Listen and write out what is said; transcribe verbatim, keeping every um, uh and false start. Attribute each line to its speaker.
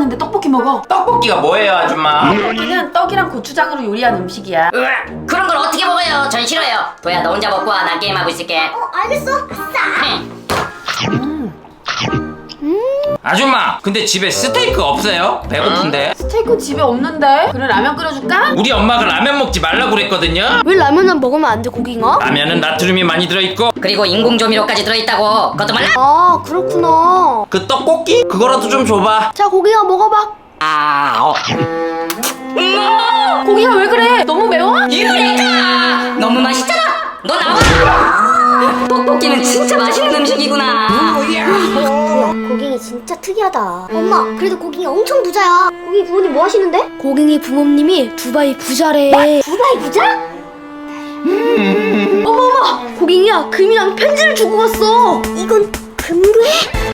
Speaker 1: 하는데 떡볶이 먹어.
Speaker 2: 떡볶이가 뭐예요, 아줌마?
Speaker 1: 떡볶이는 떡이랑 고추장으로 요리한 음식이야.
Speaker 3: 으악, 그런 걸 어떻게 먹어요? 전 싫어요. 도야, 너 혼자 먹고 와. 난 게임하고 있을게.
Speaker 4: 어, 알겠어. 아싸.
Speaker 2: 아줌마, 근데 집에 스테이크 없어요? 배고픈데.
Speaker 1: 스테이크 집에 없는데. 그래, 라면 끓여줄까?
Speaker 2: 우리 엄마가 라면 먹지 말라고 그랬거든요.
Speaker 4: 왜 라면은 먹으면 안 돼, 고기가?
Speaker 2: 라면은 나트륨이 많이 들어있고
Speaker 3: 그리고 인공 조미료까지 들어있다고. 그것도 몰라?
Speaker 4: 아, 그렇구나.
Speaker 2: 그 떡볶이? 그거라도 좀 줘봐.
Speaker 4: 자, 고기가 먹어봐.
Speaker 3: 아, 어.
Speaker 1: 고기가 왜 그래? 너무 매워?
Speaker 3: 유레카! 너무 맛있잖아. 너 나와. 떡볶이는 진짜 맛있는 음식이구나.
Speaker 4: 고갱이 진짜 특이하다. 엄마, 그래도 고갱이 엄청 부자야. 고갱이 부모님 뭐 하시는데? 고갱이 부모님이 두바이 부자래. 두바이 부자? 어머 어머, 고갱이야, 금이랑 편지를 주고 갔어. 이건 금괴?